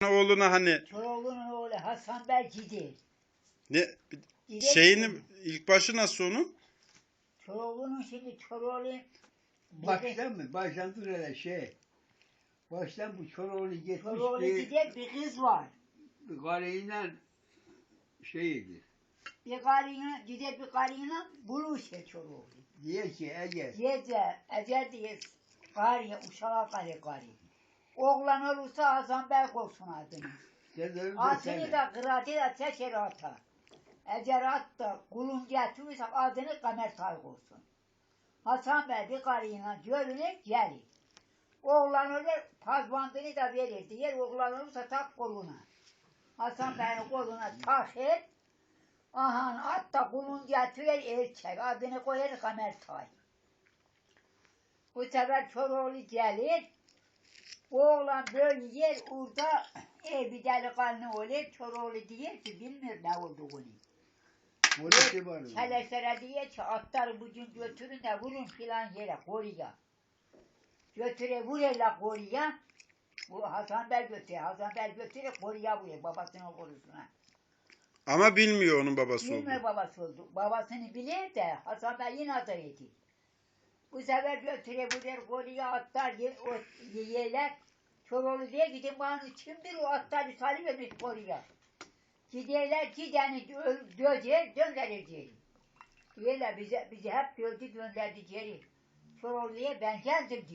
Oğluna hani Çoroğlu'nun oğlu Hasan Bey gider. ne Gider şeyini mi? ilk başı nasıl onun? Çoroğlu'nun şimdi Çoroğlu Baştan mı? Baştan dur hele şey. Baştan bu Çoroğlu gitmiş Çoroğlu bir gider bir kız var. karıyla şeydi. Bir karıyla gider bir karıyla buluşur Çoroğlu. Diye ki Ege. Ece diye karıya uşağa karı. Oğlan olursa Hasan Bey olsun adını. Dedim Adını da kıratı da seçer ata. Eğer at da kulun getirirse adını Kamer Tayg olsun. Hasan Bey bir karıyla görünür gelir. Oğlan olur pazbandını da verir. Diğer oğlan olursa tak koluna. Hasan Bey'in koluna takır. Aha at da kulun getirir erkek. Adını koyar Kamer Tay. Bu sefer Çoroğlu gelir. Oğlan böyle yer orada bir delikanlı olur. Çoroğlu diyor ki bilmiyor ne olduğunu. Polisi var. Çeleşlere diyor ki atları bugün götürün de vurun filan yere koruya. Götüre vururlar koruya. Bu Hasan Bey götürüyor. Hasan Bey götürüyor koruya vuruyor babasının korusuna. Ama bilmiyor onun babası Bilmiyor olduğunu. babası oldu. Babasını bilir de Hasan Bey yine atar eti. Bu sefer götürüyor vuruyor koruya atlar yerler. Çoroğlu diye gidin bana kimdir o atları salıvermiş koruya. Giderler gideni döver gönderir geri. Diyorlar bizi hep dövdü gönderdi geri. Çoroğlu'ya ben geldim diyor.